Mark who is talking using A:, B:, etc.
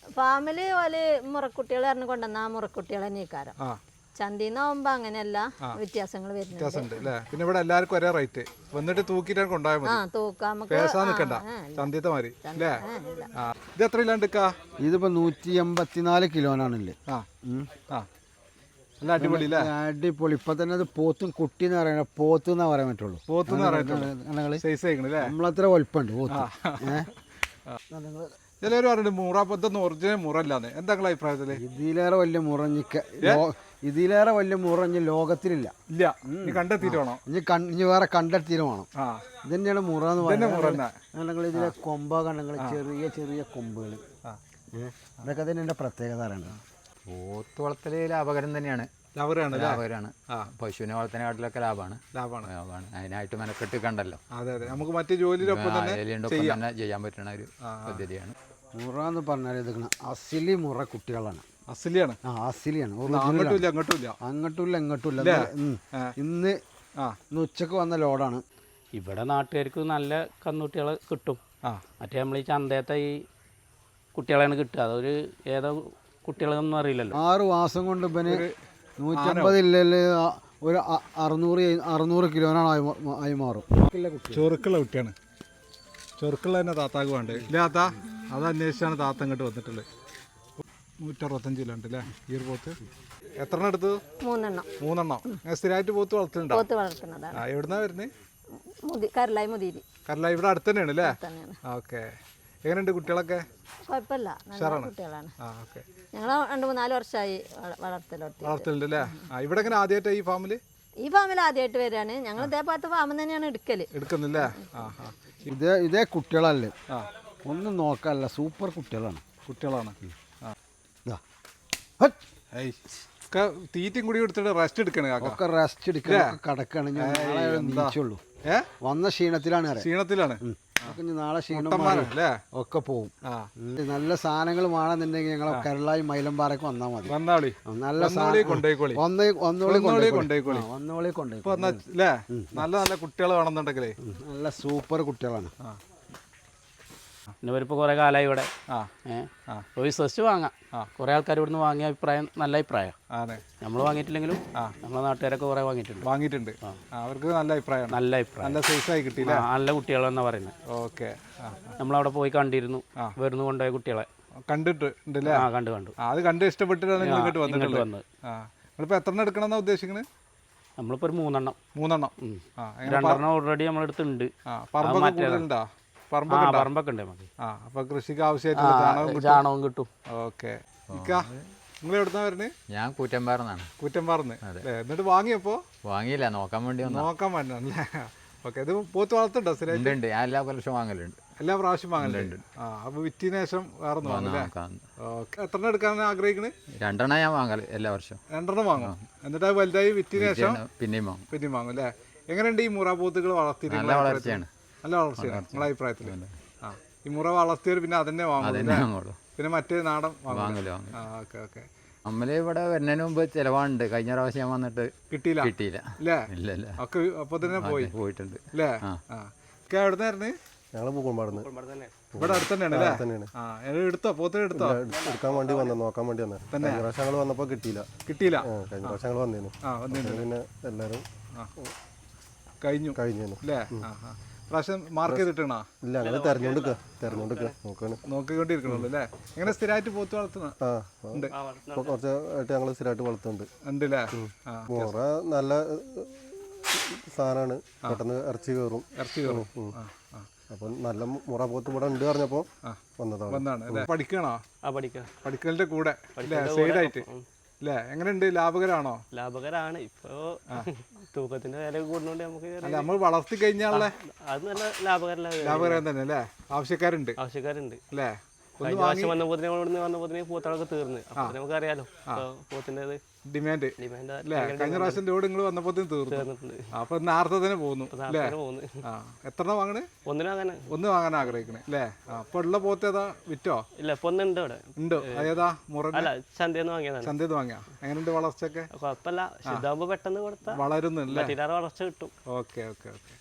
A: Family ഓല് മുറക്കുട്ടികൾ പറഞ്ഞു കൊണ്ടുവന്ന ആ മുറക്കുട്ടികൾ തന്നെക്കാരം ചന്തീന്നാവുമ്പോ അങ്ങനെയല്ല വ്യത്യാസങ്ങൾ വരുന്നുണ്ട്.
B: പിന്നെ ഇവിടെ എല്ലാവർക്കും ഒരേ റേറ്റ് വന്നിട്ട് തൂക്കിട്ടാണ് കൊണ്ടുപോയാൽ മതി. നിൽക്കണ്ട ചന്തീത്തെ മാതിരി അല്ലേ? ഇത് എത്ര കിലോ?
C: ഇതിപ്പോ 184 കിലോനാണല്ലേ.
B: നല്ല അടിപൊളി
C: അടിപൊളി. ഇപ്പൊ തന്നെ അത് പോത്തും കുട്ടി എന്ന് പറയാൻ പോത്ത് എന്നാ പറയാൻ പറ്റുള്ളൂ. നമ്മളത്ര വലുപ്പമുണ്ട് പോത്ത്.
B: ചിലവർ പറഞ്ഞിട്ട് മുറ ഒറിജിനൽ മുറല്ലാന്ന്. എന്താ അഭിപ്രായത്തില്?
C: ഇതിലേറെ വലിയ മുറഞ്ഞ് ലോകത്തിലില്ല.
B: ഇല്ല, കണ്ടെത്തിയിട്ട് വേണം.
C: ഇനി വേറെ കണ്ടെത്തിയിട്ട് വേണം. ഇത് തന്നെയാണ് മുറ എന്ന് പറയുന്നത്. ഇതിലെ കൊമ്പ കണ്ടെങ്കിൽ ചെറിയ ചെറിയ കൊമ്പുകൾ. ഇതൊക്കെ തന്നെ എന്റെ പ്രത്യേകത അറിയണം.
D: പോത്ത് വളർത്തല് ലാഭകരം തന്നെയാണ്. ലാഭകരമാണ്. പശുവിനെ വളർത്തുന്നതിനെക്കാട്ടിലൊക്കെ ലാഭമാണ്. അതിനായിട്ട് മെനക്കെട്ട് കണ്ടല്ലോ.
B: നമുക്ക് മറ്റു ജോലിയിലൊപ്പം തന്നെ
D: ചെയ്യാൻ പറ്റുന്ന ഒരു പദ്ധതിയാണ്.
C: മുറ എന്ന് പറഞ്ഞാൽ ഇതൊക്കെ അസിലി മുറ കുട്ടികളാണ്.
B: അസിലിയാണ്.
C: അസിലിയാണ്. അങ്ങോട്ടുമില്ല ഇങ്ങോട്ടുമില്ല. ഇന്ന് ഉച്ചക്ക് വന്ന ലോഡാണ്.
E: ഇവിടെ നാട്ടുകാർക്ക് നല്ല കന്നുകുട്ടികളെ കിട്ടും. മറ്റേ നമ്മൾ ഈ ചന്തയത്തെ ഈ കുട്ടികളെയാണ് കിട്ടുക. അതൊരു ഏതോ കുട്ടികളൊന്നും അറിയില്ലല്ലോ.
C: 6 മാസം കൊണ്ട് ഇവന് 150 ഇല്ലല്ലേ ഒരു 600 കിലോനാണ് ആയി മാറും.
B: ചെറുക്കുള്ള കുട്ടിയാണ്. ചെറുക്കുള്ള തന്നെ താത്താക്ക് വേണ്ടത് ഇല്ല. താത്ത അത് അന്വേഷിച്ചാണ് താത്ത ഇങ്ങോട്ട് വന്നിട്ടുള്ളത്. 165 കിലോ ഉണ്ട് അല്ലേ ഈ ഒരു പോത്ത്? എത്ര എടുത്തു? 3 സ്ഥിരമായിട്ട് പോത്ത് വളർത്തുന്നുണ്ടോ? എവിടുന്നാ വരുന്നത്? കരലായി. ഇവിടെ അടുത്ത് തന്നെയാണ് അല്ലേ? ഓക്കെ. എങ്ങനെയുണ്ട് കുട്ടികളൊക്കെ?
A: കുഴപ്പമില്ല, കുട്ടികളാണ്. ഞങ്ങൾ 2-3 വർഷമായി
B: വളർത്തലുണ്ട് അല്ലേ? ഇവിടെ എങ്ങനെ ആദ്യമായിട്ട് ഈ ഫാമില്
A: ആദ്യമായിട്ട് വരികയാണ്. ഞങ്ങൾ ഇതേപോലത്തെ ഫാമിൽ തന്നെയാണ്
B: എടുക്കുന്നില്ലേ?
C: ഇതേ കുട്ടികളല്ലേ, ഒന്നും നോക്കാനല്ല, സൂപ്പർ കുട്ടികളാണ്.
B: തീറ്റയും കൂടി എടുത്തിട്ട് റെസ്റ്റ് എടുക്കണേ.
C: ഒക്കെ റെസ്റ്റ് എടുക്കാൻ കടക്കാണ്. നീച്ചുള്ളൂ. വന്ന ക്ഷീണത്തിലാണ്. നാളെ ക്ഷീണം ഒക്കെ പോവും. നല്ല സാധനങ്ങൾ വേണമെന്നുണ്ടെങ്കിൽ ഞങ്ങൾ കരളായി മൈലമ്പാറയ്ക്ക് വന്നാൽ മതി. നല്ല
B: നല്ല കുട്ടികൾ വേണമെന്നുണ്ടെങ്കിലേ
C: നല്ല സൂപ്പർ കുട്ടികളാണ്.
E: പിന്നെ ഇവരിപ്പോൾ കുറേ കാലമായി ഇവിടെ. വിശ്വസിച്ച് വാങ്ങാം. കുറേ ആൾക്കാർ ഇവിടുന്ന് വാങ്ങിയ അഭിപ്രായം നല്ല അഭിപ്രായം. നമ്മൾ വാങ്ങിയിട്ടില്ലെങ്കിലും നമ്മളെ നാട്ടുകാരൊക്കെ കുറേ വാങ്ങിയിട്ടുണ്ട്.
B: അവർക്ക് നല്ല അഭിപ്രായം. നല്ല സൈസായി കിട്ടിയില്ല.
E: നല്ല കുട്ടികളെന്നാ പറയുന്നത്.
B: ഓക്കെ.
E: നമ്മളവിടെ പോയി കണ്ടിരുന്നു. വരുന്നു കൊണ്ടുപോയ കുട്ടികളെ
B: കണ്ടിട്ടുണ്ടല്ലേ?
E: കണ്ടു.
B: അത് കണ്ട് ഇഷ്ടപ്പെട്ടിട്ടാണ് ഇങ്ങോട്ട് വന്നത്. നിങ്ങളിപ്പോൾ എത്ര എണ്ണം എടുക്കണമെന്നാ ഉദ്ദേശിക്കുന്നത്?
E: നമ്മളിപ്പോൾ ഒരു 3
B: മൂന്നെണ്ണം.
E: 2 ഓൾറെഡി നമ്മളെടുത്തുണ്ട്. പറമ്പൊക്കെ ഉണ്ട് നമുക്ക്.
B: അപ്പൊ കൃഷിക്ക് ആവശ്യമായിട്ടുള്ള
E: ചാണകം കിട്ടും.
B: ഓക്കെ. നിങ്ങൾ എവിടുന്നാ വരുന്നത്?
D: ഞാൻ കൂറ്റമ്പാറന്നാണ്.
B: കൂറ്റമ്പാറന്ന്. എന്നിട്ട് വാങ്ങിയപ്പോ?
D: വാങ്ങിയില്ല, നോക്കാൻ
B: വേണ്ടിയല്ലേ? ഓക്കെ. ഇത് പോത്ത് വളർത്തുണ്ടോ?
D: സ്ഥിരമായിട്ട് ഞാൻ എല്ലാ പ്രാവശ്യം വാങ്ങലുണ്ട്.
B: എല്ലാ പ്രാവശ്യം വാങ്ങലുണ്ട്. അപ്പൊ വിറ്റിന് ശേഷം വേറെ വാങ്ങില്ലേ? എത്ര എടുക്കാൻ ആഗ്രഹിക്കണേ?
D: 2 ഞാൻ വാങ്ങല് എല്ലാ വർഷവും. 2
B: വാങ്ങും. എന്നിട്ട് അത് വലുതായി വിറ്റിന് ശേഷം
D: പിന്നെയും
B: വാങ്ങും അല്ലേ? എങ്ങനെയുണ്ട് ഈ മുറ പോത്തുകൾ വളർത്തി?
D: നല്ല വളർച്ചയാണ്.
B: നിങ്ങളെ അഭിപ്രായത്തിൽ? ഈ മുറ വളർത്തിയവർ പിന്നെ അതന്നെ വാങ്ങുള്ളൂ. പിന്നെ മറ്റേ നാടൻ
D: വാങ്ങലോ? നമ്മള് ഇവിടെ വരുന്നതിന് മുമ്പ് ചിലവാണ്ട്. കഴിഞ്ഞ പ്രാവശ്യം ഞാൻ വന്നിട്ട് കിട്ടിയില്ല.
B: ഇല്ല. ഒക്കെ അപ്പൊ തന്നെ പോയിട്ടുണ്ട് അല്ലേ? എവിടുന്നായിരുന്നു?
F: ഞങ്ങള് പൂക്കോമ്പാടുന്ന്.
B: ഇവിടെ അടുത്ത് തന്നെയാണ്. എടുത്തോ? പോത്തിന് എടുത്തോ?
F: എടുക്കാൻ വേണ്ടി നോക്കാൻ വേണ്ടി വന്നത്. കഴിഞ്ഞ പ്രാവശ്യം ഞങ്ങൾ വന്നപ്പോ കിട്ടിയില്ല. കഴിഞ്ഞ പ്രാവശ്യം ഞങ്ങൾ വന്നേനു. പിന്നെ എല്ലാരും
B: കഴിഞ്ഞു അല്ലേ? പ്രാവശ്യം മാർക്ക് ചെയ്തിട്ടാ?
F: ഇല്ല, അങ്ങനെ
B: നോക്കിക്കൊണ്ടിരിക്കണല്ലോ അല്ലേ? എങ്ങനെ സ്ഥിരമായിട്ട് പോത്ത് വളർത്തുന്ന?
F: കുറച്ചായിട്ട് ഞങ്ങൾ സ്ഥിരമായിട്ട് വളർത്തുന്നുണ്ട്.
B: ഉണ്ടല്ലേ?
F: മുറ നല്ല സാധനമാണ്. പെട്ടെന്ന് ഇറച്ചി കയറും. അപ്പൊ നല്ല മുറ പോത്ത് ഇവിടെ ഉണ്ട് പറഞ്ഞപ്പോ
B: വന്നതാണ്. പഠിക്കണോ? പഠിക്കലിന്റെ കൂടെ സൈഡായിട്ട് അല്ലേ? എങ്ങനെയുണ്ട്? ലാഭകരമാണോ?
E: ലാഭകരമാണ്. ഇപ്പൊ തൂക്കത്തിന്റെ വില കൂടുന്നോണ്ട് നമുക്ക്
B: നമ്മൾ വളർത്തി കഴിഞ്ഞാൽ
E: അത് നല്ല ലാഭകരം
B: തന്നെ അല്ലേ? ആവശ്യക്കാരുണ്ട് അല്ലേ?
E: വന്നപ്പോ പൂത്തളൊക്കെ തീർന്ന്. നമുക്കറിയാലോ പോത്തിന്റെ
B: ഡിമാൻഡ് അല്ലേ? കഴിഞ്ഞ പ്രാവശ്യം ലോഡ് നിങ്ങൾ വന്നപ്പോ തീർന്നു. അപ്പൊ നേരത്തെ തന്നെ പോകുന്നു അല്ലേ? എത്ര വാങ്ങണേ? ഒന്ന് വാങ്ങാൻ ആഗ്രഹിക്കണേ അല്ലേ? അപ്പൊ ഉള്ള പോത്ത് ഏതാ? വിറ്റോ?
E: ഇല്ല, ഇപ്പൊ ഒന്നുണ്ട് ഇവിടെ.
B: ഉണ്ട്. ഏതാ? മുറ?
E: ചന്തന്ന് വാങ്ങിയാ.
B: എങ്ങനെയുണ്ട് വളർച്ചയൊക്കെ?
E: കുഴപ്പമില്ല. ശുദ്ധാകുമ്പോ പെട്ടെന്ന് കൊടുത്താൽ
B: വളരുന്നില്ല.
E: വളർച്ച കിട്ടും.
B: ഓക്കെ.